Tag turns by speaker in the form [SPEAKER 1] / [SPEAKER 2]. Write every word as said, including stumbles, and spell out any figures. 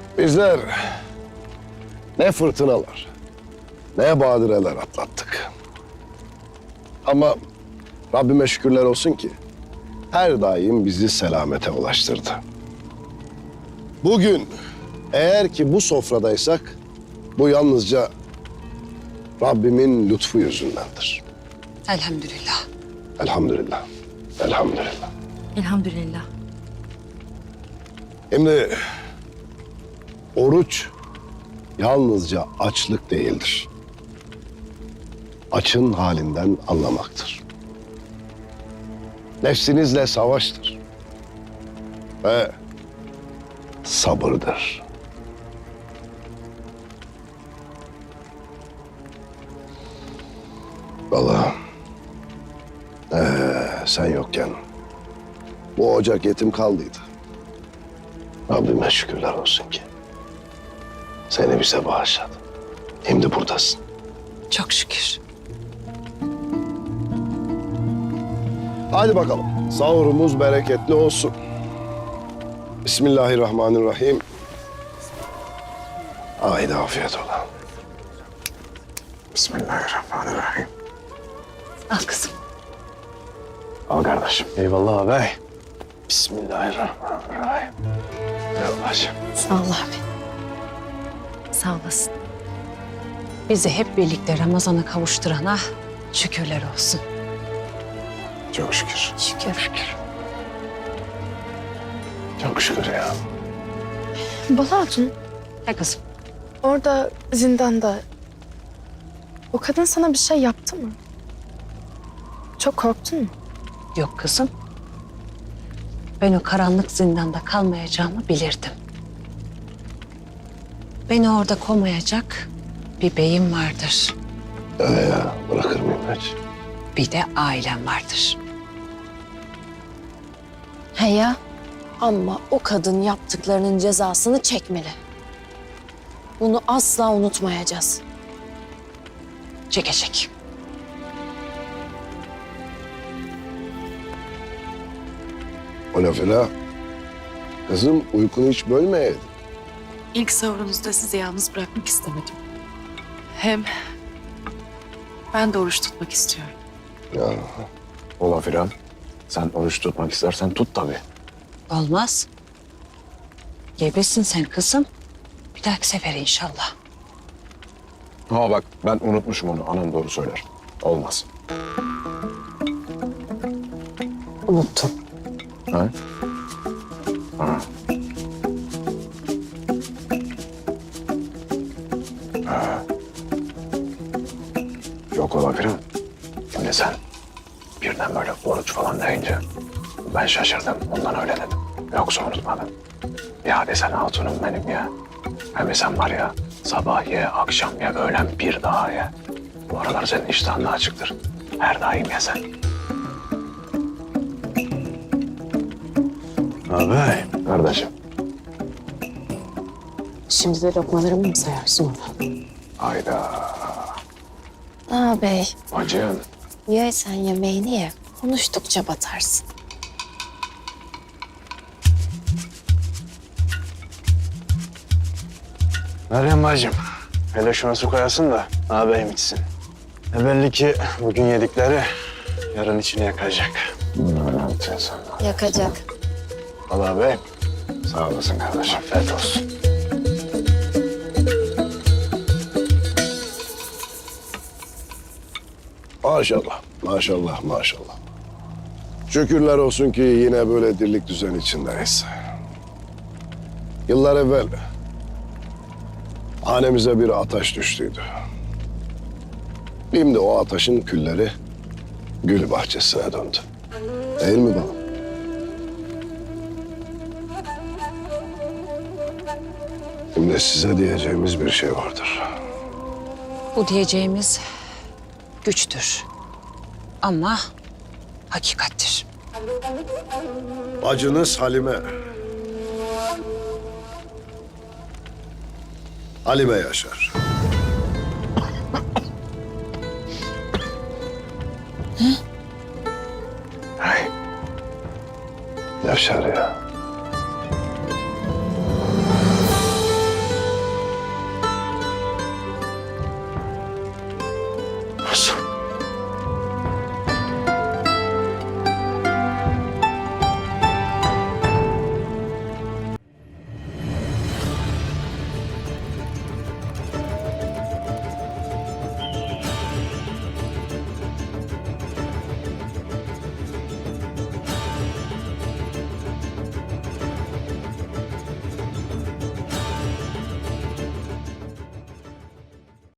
[SPEAKER 1] Bizler ne fırtınalar, ne badireler atlattık. Ama Rabbime şükürler olsun ki her daim bizi selamete ulaştırdı. Bugün eğer ki bu sofradaysak bu yalnızca Rabbimin lütfu yüzündendir.
[SPEAKER 2] Elhamdülillah.
[SPEAKER 1] Elhamdülillah. Elhamdülillah.
[SPEAKER 2] Elhamdülillah.
[SPEAKER 1] Şimdi oruç yalnızca açlık değildir. Açın halinden anlamaktır. Nefsinizle savaştır. Ve sabırdır. Vallahi ee, sen yokken bu ocak yetim kaldıydı. Rabbime şükürler olsun ki seni bize bağışladı. Şimdi buradasın.
[SPEAKER 2] Çok şükür.
[SPEAKER 1] Hadi bakalım. Sahurumuz bereketli olsun. Bismillahirrahmanirrahim. Haydi afiyet ola. Bismillahirrahmanirrahim.
[SPEAKER 2] Al kızım.
[SPEAKER 1] Al kardeşim. Eyvallah ağabey. Bismillahirrahmanirrahim. Yavaş.
[SPEAKER 2] Sağ ol abi. Sağ olasın. Bizi hep birlikte Ramazan'a kavuşturana şükürler olsun.
[SPEAKER 1] Çok şükür.
[SPEAKER 2] Şükür. Şükür.
[SPEAKER 1] Çok şükür ya.
[SPEAKER 3] Bala Hatun,
[SPEAKER 2] He kızım.
[SPEAKER 3] orada zindanda o kadın sana bir şey yaptı mı? Çok korktun mu?
[SPEAKER 2] Yok kızım. Ben o karanlık zindanda kalmayacağımı bilirdim. Beni orada komayacak bir beyim vardır.
[SPEAKER 1] Öyle ya. Bırakır mıyım hiç?
[SPEAKER 2] Bir de ailem vardır.
[SPEAKER 4] He ya. Ama o kadın yaptıklarının cezasını çekmeli. Bunu asla unutmayacağız.
[SPEAKER 2] Çekecek.
[SPEAKER 1] O lafıyla kızım uykunu hiç bölmeyeydin.
[SPEAKER 5] İlk sahurunuzda sizi yalnız bırakmak istemedim. Hem ben de oruç tutmak istiyorum.
[SPEAKER 1] Ya.
[SPEAKER 6] Ola Firan, sen oruç tutmak istersen tut tabii.
[SPEAKER 2] Olmaz. Gebesin sen kızım. Bir dahaki sefer inşallah.
[SPEAKER 6] Ha bak ben unutmuşum onu, anam doğru söyler. Olmaz.
[SPEAKER 2] Unuttum.
[SPEAKER 6] Ha? Ha. Ha. Yok ola Firan. Şimdi sen birden böyle oruç falan deyince ben şaşırdım, ondan öyle dedim. Yoksa unutmadım. Ya desen hatunum benim ya. Hem sen var ya, sabah ye, akşam ye, öğlen bir daha ye. Bu aralar senin iştahın da açıktır. Her daim ye sen. Abi. Kardeşim.
[SPEAKER 4] Şimdi de lokmalarımı mı sayarsın ona?
[SPEAKER 6] Hayda.
[SPEAKER 4] Ağabey,
[SPEAKER 6] Bacım.
[SPEAKER 4] ye sen yemeğini ye. Konuştukça batarsın.
[SPEAKER 7] Meryem bacım, hele şuna su koyasın da ağabeyim içsin. E belli ki bugün yedikleri yarın içini yakacak.
[SPEAKER 6] Ne yapacaksın?
[SPEAKER 4] Yakacak.
[SPEAKER 7] Al ağabeyim.
[SPEAKER 6] Sağ olasın kardeşim.
[SPEAKER 7] Afiyet olsun.
[SPEAKER 1] Maşallah, maşallah, maşallah. Şükürler olsun ki yine böyle dirlik düzen içindeyiz. Yıllar evvel hanemize bir ateş düştüydü. Şimdi o ateşin külleri gül bahçesine döndü. Değil mi baba? Şimdi size diyeceğimiz bir şey vardır.
[SPEAKER 2] Bu diyeceğimiz güçtür. Ama hakikattir.
[SPEAKER 1] Bacınız Halime. Halime Yaşar.
[SPEAKER 6] Ay.
[SPEAKER 1] Yaşar ya.